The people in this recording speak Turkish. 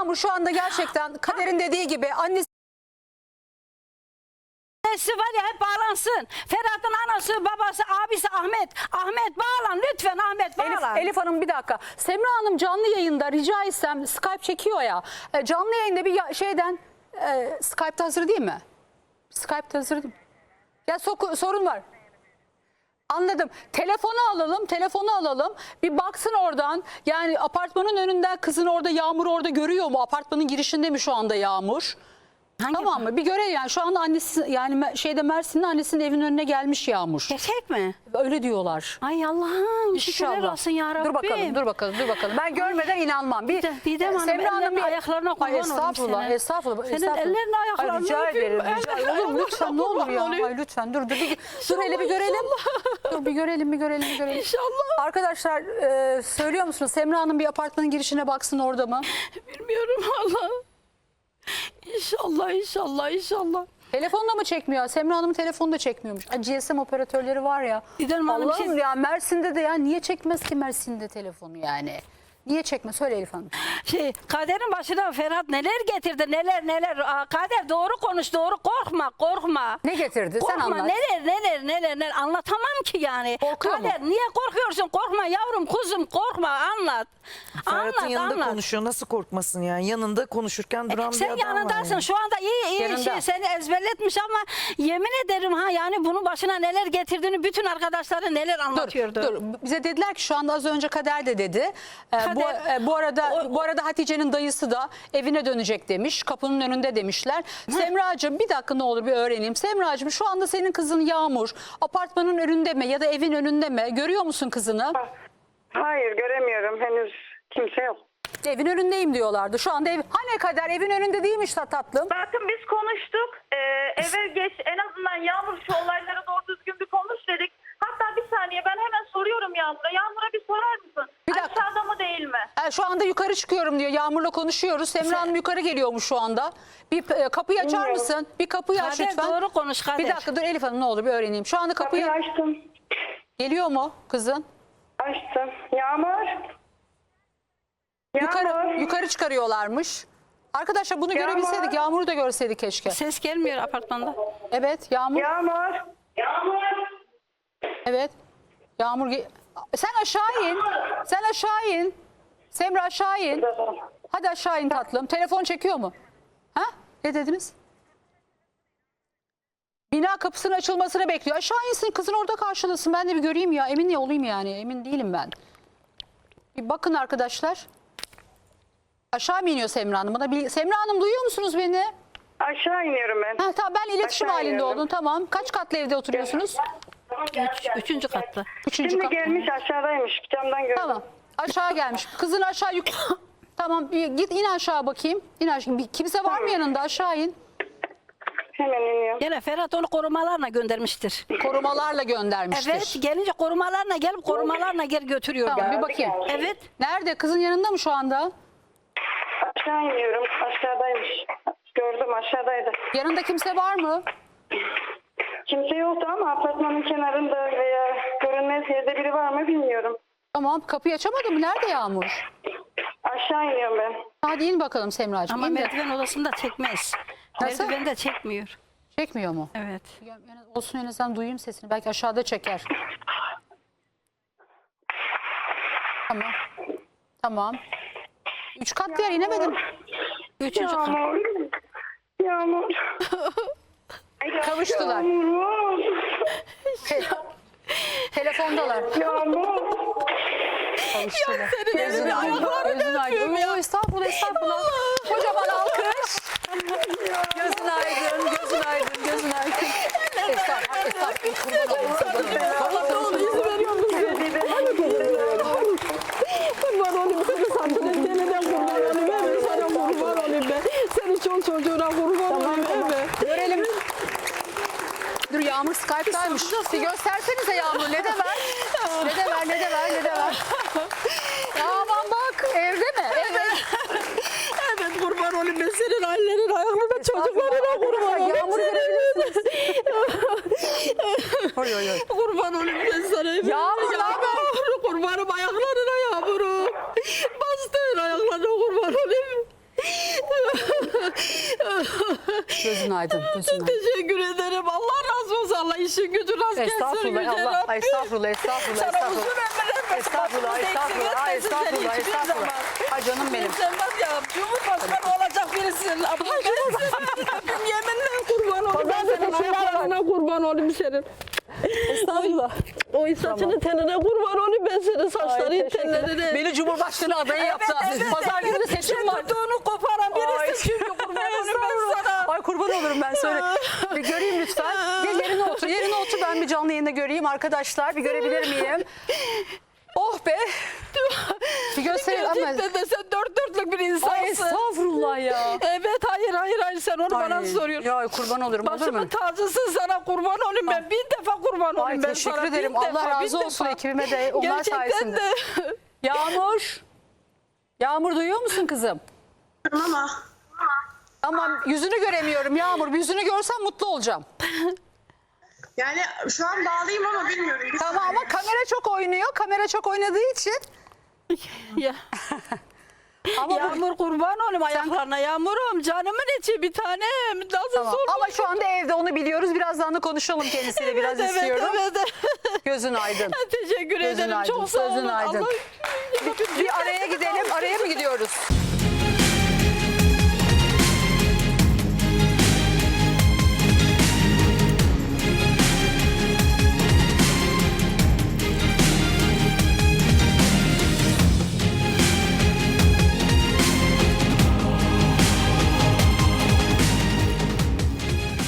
Yağmur şu anda gerçekten Kader'in dediği gibi annesi Annesi var ya hep bağlansın. Ferhat'ın anası, babası, abisi Ahmet. Ahmet bağlan lütfen, Ahmet bağlan. Elif Hanım bir dakika. Semra Hanım canlı yayında rica etsem Skype çekiyor ya. Canlı yayında bir şeyden Skype'ta hazır değil mi? Skype'ta hazır değil mi? Ya sorun var. Anladım. Telefonu alalım. Bir baksın oradan. Yani apartmanın önünde kızın orada Yağmur orada görüyor mu? Apartmanın girişinde mi şu anda Yağmur? Tamam mı? Bir görelim yani şu anda annesi yani Mersin'in annesinin evinin önüne gelmiş Yağmur. Gerçek mi? Öyle diyorlar. Ay Allah'ım şükürler İnşallah. olsun ya Rabbim. Dur bakalım. Ben görmeden inanmam. Didem Hanım, ellerine ayaklarına kurban olayım Estağfurullah. Senin ellerine ayaklarına rica ederim. öpeyim. Olur lütfen ne olur ya. Ay, lütfen dur. Dur hele bir görelim. Dur bir görelim. İnşallah. Arkadaşlar söylüyor musunuz? Semra Hanım bir apartmanın girişine baksın orada mı? Bilmiyorum Allah. İnşallah. Telefonda mı çekmiyor? Semra Hanım'ın telefonu da çekmiyormuş. GSM operatörleri var ya. Didem Hanım, Allah'ım ya Mersin'de de ya niye çekmez ki Mersin'de telefonu yani? Niye çekmez? Söyle Elif Hanım. Kader'in başına Ferhat neler getirdi neler. Kader doğru konuş, doğru korkma. Ne getirdi? Sen Korkma, anlat. neler anlatamam ki yani. Korkuyor mu? Kader niye korkuyorsun? Korkma yavrum kuzum korkma anlat. Ferhat'ın yanında anlat. konuşuyor. Nasıl korkmasın yani? Yanında konuşurken duran bir Sen adam yanındasın var yani. şu anda iyi Yanında. seni ezberletmiş ama yemin ederim yani bunun başına neler getirdiğini bütün arkadaşları neler anlatıyordu. Dur. Bize dediler ki şu anda az önce Kader de dedi. Kader- Bu arada Hatice'nin dayısı da evine dönecek demiş. Kapının önünde demişler. Semracığım bir dakika ne olur bir öğreneyim. Semracığım şu anda senin kızın Yağmur apartmanın önünde mi ya da evin önünde mi? Görüyor musun kızını? Hayır göremiyorum. Henüz kimse yok. Evin önündeyim diyorlardı. Şu anda hani Kader evin önünde değilmiş tatlım. Bakın biz konuştuk. Eve geç en azından Yağmur şu olaylara doğru düzgün bir konuş dedik. Hatta bir saniye ben hemen soruyorum Yağmur'a. Yağmur'a bir sorar mısın? Bir dakika. Aşağıda mı değil mi? Şu anda yukarı çıkıyorum diyor. Yağmur'la konuşuyoruz. Semra Hanım yukarı geliyormuş şu anda. Bir kapıyı açar Bilmiyorum. mısın? Bir kapıyı aç Kader lütfen. doğru konuş Kader. Bir dakika dur Elif Hanım ne olur bir öğreneyim. Şu anda kapıyı Kapıyı açtım. geliyor mu kızın? Açtım. Yağmur. Yukarı çıkarıyorlarmış. Arkadaşlar bunu Yağmur. görebilseydik, Yağmur'u da görseydik keşke. Ses gelmiyor apartmanda. Evet, Yağmur. Yağmur. Evet. Yağmur. Sen aşağı in. Sen aşağı in. Semra aşağı in. Hadi aşağı in tatlım. Telefon çekiyor mu? Ha? Ne dediniz? Bina kapısının açılmasını bekliyor. Aşağı insin kızın orada karşılasın. Ben de bir göreyim ya. Emin olayım yani. Emin değilim ben. Bir bakın arkadaşlar. Aşağı mı iniyor Semra Hanım? Semra Hanım duyuyor musunuz beni? Aşağı iniyorum ben. Ha, tamam ben iletişim Aşağı halinde iniyorum. oldum. Tamam. Kaç katlı evde oturuyorsunuz? Üçüncü katta. Üçüncü Şimdi kat. gelmiş aşağıdaymış. Camdan gördüm. Tamam. Aşağı gelmiş. Kızın aşağı Tamam. Git in aşağı bakayım. İn aşağı. Kimse var mı yanında? Aşağı in. Hemen iniyorum. Gene Ferhat onu korumalarla göndermiştir. Korumalarla göndermiştir. Evet gelince korumalarla gelip korumalarla geri götürüyor. Tamam yani. bir bakayım. Evet. Nerede? Kızın yanında mı şu anda? Aşağı iniyorum. Aşağıdaymış. Gördüm aşağıdaydı. Yanında kimse var mı? Kimse yoktu ama apartmanın kenarında veya görünmez yerde biri var mı bilmiyorum. Tamam. Kapıyı açamadı mı? Nerede Yağmur? Aşağı iniyorum ben. Hadi in bakalım Semracığım. Ama İn de. merdiven odasında çekmez. Nasıl? Merdiven de çekmiyor. Çekmiyor mu? Evet. Olsun en azından duyayım sesini. Belki aşağıda çeker. Tamam. Tamam. 3 kat yer inemedim. Üçüncü kat. Yağmur. Yağmur. Kavuştular. Yağmur. Telefondalar. Yağmur. Kavuştular. senin elini ayaklarını öpüyorum ya. Estağfurullah. Kocaman alkış. Gözün aydın. Estağfurullah. Allah onu izin veriyor musun? Kurban olayım seni sattın. Gelene kurban olayım. Evet sana kurban olayım ben. Senin çok çocuğuna kurban olayım. Evet. Görelim. Dur Yağmur Skype'daymış. Bir göstersenize Yağmur. Ne de ver. Ya aman bak evde mi? Evet. Evet kurban olayım ben senin ailenin ayaklarına çocuklarına kurban olayım. Yağmur görebilirsiniz. Oy. Kurban olayım ben sana. Yağmur, Kurbanım ayaklarına yağmurum. Bastığın ayaklarına kurban olayım. Gözün aydın. Gözün aydın. Teşekkür ederim. Allah razı olsun. Allah işin gücü rast gelsin. Estağfurullah. Yüce Allah. Rabbim. Estağfurullah. Estağfurullah. Sana Estağfurullah. uzun ömür vermesin. Estağfurullah. Başımızda Estağfurullah. eksik etmesin seni Estağfurullah. hiçbir Estağfurullah. zaman. Ay canım benim. Sen var ya Cumhurbaşkanı olacak birisin. Ama ben senin Rabbim yeminle kurban olayım. Ben senin ayaklarına kurban olayım senin. Estağfurullah. O saçını tenine kurban olayım ben senin saçların tenlerine. Beni Cumhurbaşkanı adayı yaptı. Pazar günü de seçim var. Tuttuğunu koparan Ay. birisin çünkü kurban olayım ben sana. Ay kurban olurum ben söyle. Bir göreyim lütfen. Gel yerine otur. Yerine otur ben bir canlı yayında göreyim arkadaşlar. Bir görebilir miyim? Oh be. Bir göstereyim ama. Gerçekten de sen dört dörtlük bir insansın. Ay estağfurullah ya. Evet hayır sen onu bana Ay, soruyorsun. ya kurban olurum olur mu? Başımın tacısın sana kurban olayım ben. Bin defa kurban Ay olayım ben teşekkür sana. ederim. Bin Allah defa, razı bin olsun defa. ekibime de onlar Gerçekten sayesinde. de. Yağmur. Yağmur duyuyor musun kızım? Ama Ama yüzünü göremiyorum Yağmur. Bir yüzünü görsem mutlu olacağım. yani şu an bağlıyım ama bilmiyorum. Tamam ama kamera çok oynuyor. Kamera çok oynadığı için. Ya. Ama bu- Yağmur kurban olayım ayaklarına. Yağmurum canımın içi bir tanem. Nasıl Tamam. sorun? Ama şu anda evde onu biliyoruz. Birazdan da konuşalım kendisiyle biraz istiyorum. Evet. Gözün aydın. Teşekkür Gözün ederim. aydın, Çok sağ olun. gözün aydın. Allah... Bir araya gidelim. Araya mı gidiyoruz?